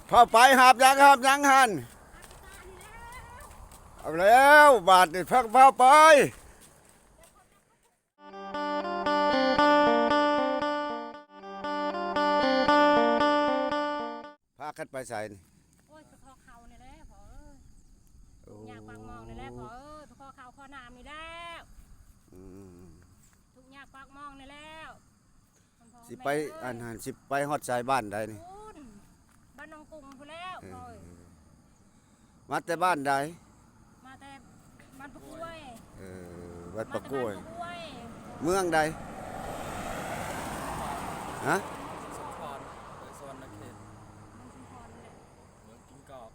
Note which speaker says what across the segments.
Speaker 1: เข้าไปหาบยังหันเอาแล้วบาทนี่พักเข้าไปพากันไปใส่นี่
Speaker 2: โอ้ยไปคอเขานี่แหละพอ
Speaker 1: โอ้
Speaker 2: อยากปากมองนี่แหละพอไปคอเขาคอน้ำนี่แล้ว
Speaker 1: อืม
Speaker 2: ทุกอยากปากมองนี่แล้ว
Speaker 1: สิไปอันหันสิไปฮอดใส่บ้านใดนี่
Speaker 2: คุณบ้านน้องกุ้งพูนแล้วพอ
Speaker 1: มาแต่บ้านใด
Speaker 2: มาแต่บ้านปะกล้วย
Speaker 1: วัดปะกล้วย
Speaker 2: มาแต่บ้านปะกล้วย
Speaker 1: เมืองใดฮะ
Speaker 3: สมพรสวรรณเขต
Speaker 2: มันชุมพรนี่แหละ
Speaker 3: เมืองกินกอก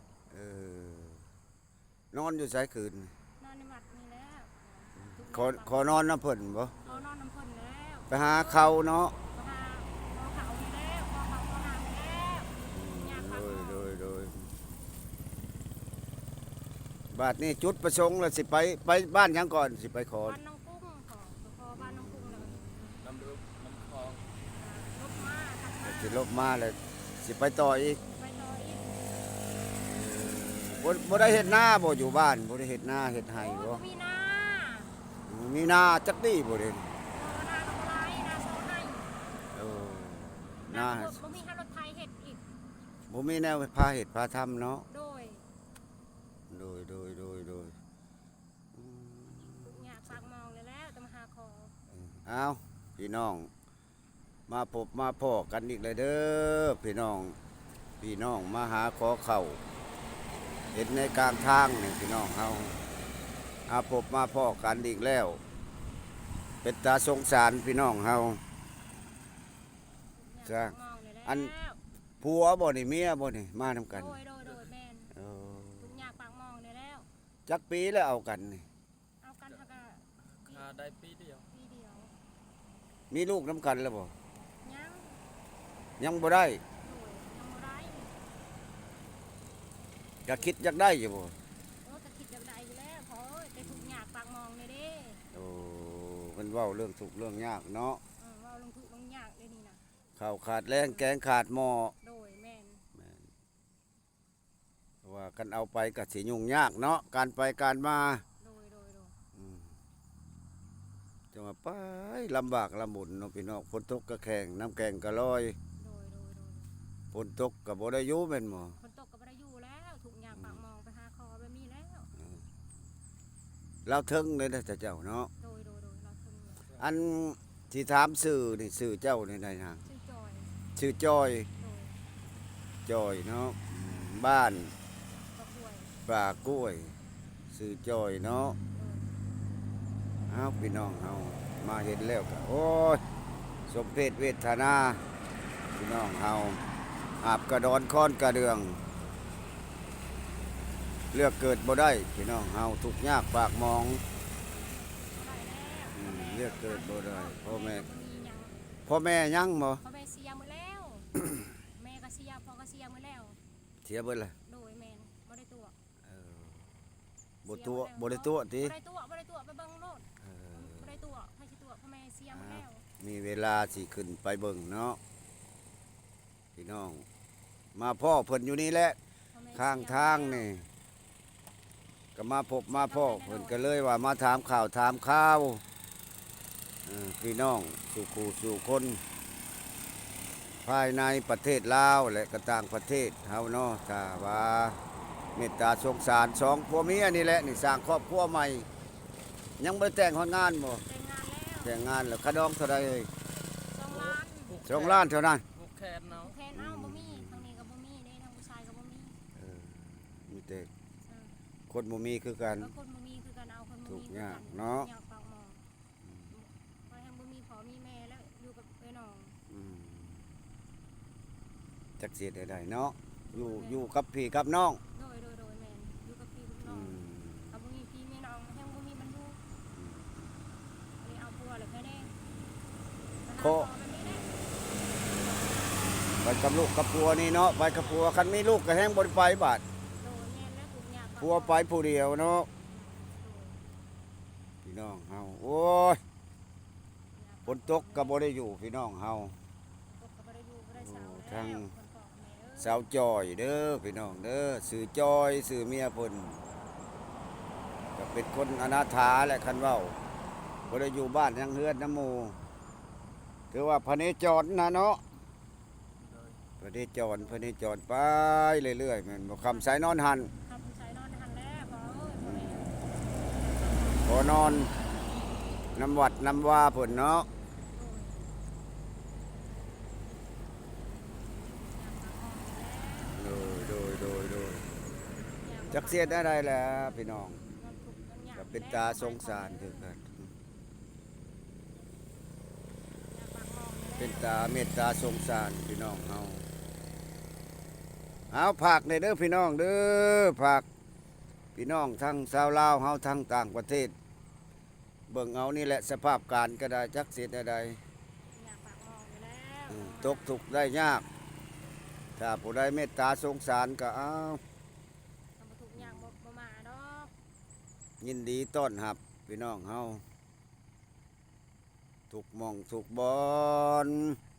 Speaker 1: นอนอยู่ใส่คืน
Speaker 2: นอนในวัดนี่แล้ว
Speaker 1: ขอนอนน้ำเพิ่นบ่
Speaker 2: เขานอนน้ำพ่นแล้ว
Speaker 1: ไปหาเขาเนาะ
Speaker 2: ไปหาคอเขานี่แล้วคอเขาคอน้ำนี่แล้วอยากปากมอง
Speaker 1: โดยบาทนี่จุดประสงค์แล้วสิไปบ้านยังก่อนสิไปขอ
Speaker 2: บ้านน้องกุ้งขอบ้านน้องกุ้งเลย
Speaker 3: น้ำลึกน้ำคลอง
Speaker 2: ลบมาทำมา
Speaker 1: สิลบมาเลยสิไปต่ออีก
Speaker 2: ไปต่ออีก
Speaker 1: บ่ได้เฮ็ดนาบ่อยู่บ้านบ่ได้เฮ็ดนาเฮ็ดไห้บ่
Speaker 2: มีนา
Speaker 1: มีนาจักดีบ่เด้
Speaker 2: นาดอกไม้นาโซไน
Speaker 1: เออ
Speaker 2: นา
Speaker 1: นา
Speaker 2: บ่มีให้รถไทยเฮ็ดอีก
Speaker 1: บ่มีแนวพาเฮ็ดพาทำเนาะ
Speaker 2: โดยอยากฝากมองเลยแล้วแต่มาหาคอ
Speaker 1: เอาพี่น้องมาพบมาพ้อกันอีกเลยเด้อพี่น้องมาหาขอเข้าเห็นในกลางทางนี่พี่น้องเฮาพบมาพ้อกันอีกแล้วเป็นตาสงสารพี่น้องเฮา
Speaker 2: อยากฝากมองเลยแล้ว
Speaker 1: อัน ผัวบ่นี่เมียบ่นี่มานำกัน
Speaker 2: โดยแม่นทุกอยากฝากมองเลยแล้ว
Speaker 1: จักปีแล้วเอากันนี่
Speaker 2: เอากันทัก
Speaker 3: คาได้ปีเดียว
Speaker 2: ปีเดียว
Speaker 1: มีลูกน้ำกันแล้วบ่
Speaker 2: ยัง
Speaker 1: ยังบ่ได้
Speaker 2: โดยยังบ่ได้
Speaker 1: ก็คิดอยากได้อยู่บ่
Speaker 2: โอ้จะคิดอย่างใดอยู่แล้วพอแต่ทุกอยากฝากมองเลยเด้
Speaker 1: โอ้เพิ่นเว้าเรื่องทุกข์เรื่องยากเนาะ
Speaker 2: ว่าลงทุกลงยากเลยนี่นะ
Speaker 1: ข้าวขาดแรงแกงขาดหม้อ
Speaker 2: โดยแม่น
Speaker 1: ว่ากันเอาไปก็สิยุ่งยากเนาะการไปการมา
Speaker 2: โดย
Speaker 1: อืมจะมาไปลำบากลำบุญเนาะพี่น้องฝนตกก็แข็งน้ำแกงก็ลอย
Speaker 2: โดย
Speaker 1: ฝนตกก็บ่ได้อยู่แม่นบ่
Speaker 2: ฝนตกก็บ่ได้อยู่แล้วทุกอยากฝากมองไปหาคอแบบนี้แล้ว
Speaker 1: เราเทิงเลยนะเจ้าเนาะ
Speaker 2: โดยเราถึง
Speaker 1: อันที่ถามสื่อนี่สื่อเจ้านี่ได้นะ
Speaker 2: ชื่อจอย
Speaker 1: ชื่อจอย
Speaker 2: โดย
Speaker 1: จอยเนาะบ้าน
Speaker 2: ก็ป่วย
Speaker 1: ป่ากล้วยสื่อจอยเนาะ
Speaker 2: โดย
Speaker 1: เอาพี่น้องเอามาเห็นแล้วก็โอ้ยสมเพชเวทนาพี่น้องเฮาอาบกระดอนค้อนกระเดือง เลือกเกิดบ่ได้พี่น้องเฮาทุกข์ยากปากมอง
Speaker 2: ได้แล้ว
Speaker 1: เลือกเกิดบ่ได้พ่อแม่
Speaker 2: มีหยัง
Speaker 1: พ่อแม่ยังบ่
Speaker 2: พ่อแม่เสียหมดแล้ว แม่ก็เสียพ่อก็เสียหมดแล้ว
Speaker 1: เสียเบิดเลย
Speaker 2: โดยแม่นบ่ได้ตัว
Speaker 1: บ่ได้ตัวติ
Speaker 2: บ่ได้ตัวไปเบิ่งโลดบ่ได้ตัวให้สิตัวพ่อแม่เสียหมดแล้ว
Speaker 1: มีเวลาสิขึ้นไปเบิ่งเนาะพี่น้อง มาพ่อเพิ่นอยู่นี่แหละ
Speaker 2: พ่อแม่
Speaker 1: ข้างทางนี่ก็มาพบมาพ่อเพิ่นก็เลยว่ามาถามข่าวถามข่าวพี่น้องสู่คนภายในประเทศลาวและก็ต่างประเทศเฮาเนาะถ้าว่าเมตตาสงสารสองผัวเมียนี่แหละนี่สร้างครอบครัวใหม่ ยังบ่ได้แต่งฮอดงานบ่
Speaker 2: แต่งงานแล้ว
Speaker 1: แต่งงานแล้วค่าดองเท่าใดเอ่ย
Speaker 2: 2 ล้าน
Speaker 1: 2 ล้านเท่านั้น
Speaker 3: ผูกแขนเนาะ
Speaker 2: แทนเอาบ่มีทางนี้ก็บ่มีเด้ทางผู้ชายก็บ่มี
Speaker 1: มีแต่คนบ่มีคือกัน
Speaker 2: แล้วคนบ่มีคือกันเอาคนบ่
Speaker 1: ทุ
Speaker 2: มี
Speaker 1: ก
Speaker 2: คือ
Speaker 1: อย่า
Speaker 2: กั
Speaker 1: ง
Speaker 2: น
Speaker 1: เนาะ
Speaker 2: อยากฝากหมอพอทางบ่มีพ่อมีแม่แล้วอยู่กับไอ้น้อง
Speaker 1: จักเสียได้เนาะอยู่กับพี่กับน้อง
Speaker 2: โดยแม่นอยู่กับพี่กับน้องเอาบ่มีพี่มีน้องแฮงบ่มีบรรลุอันนี้เอาผัวแล้วแค่นี้
Speaker 1: ไปกับลูกกับผัวนี่เนาะไปกับผัวคันมีลูกก็แห้งบ่ได้ไปบาด
Speaker 2: โดยแม่นแล้วทุกอย่าง
Speaker 1: ผัวไปผู้เดียวเนาะพี่น้องเฮาโอ้ยฝนตกก็บ่ได้อยู่พี่น้องเฮา
Speaker 2: ตกก็บ่ได้อยู่บ่ได้เช้า
Speaker 1: ทาง
Speaker 2: แล้วคนปอกแม่เอ้ย
Speaker 1: สาวจอยเด้อพี่น้องเด้อสื่อจอยสื่อเมียเพิ่นก็เป็นคนอนาถาแหละคันเว้าบ่ได้อยู่บ้านยังเฮือนน้ำหมู่ถือว่าพระเนจรนะเนาะ
Speaker 3: โดย
Speaker 1: พระเนจรไปเรื่อยๆแม่นบ่คำสายนอนหัน
Speaker 2: ทำผู้ชายนอนหันแล้วพอเอ้ยพอแม่
Speaker 1: บ่นอนน้ำวัดน้ำว่าเพิ่นเนาะ โดยจักเสียได้ไรแหล้วพี่น้องก็เป็นตาสงสารคือกันเป็นตาเมตตาสงสารพี่น้องเอาผักในเด้อพี่น้องเด้อผักพี่น้องทั้งชาวลาวเฮาทั้งต่างประเทศเบิ่งเอานี่แหละสภาพการก็ได้จักเสียได้ตกทุกข์ได้ยากถ้าผู้ใดเมตตาสงสารก็เอา
Speaker 2: ทุกอย่างบ่มาดอก
Speaker 1: ยินดีต้อนรับพี่น้องเฮาทุกหม่องทุกบอน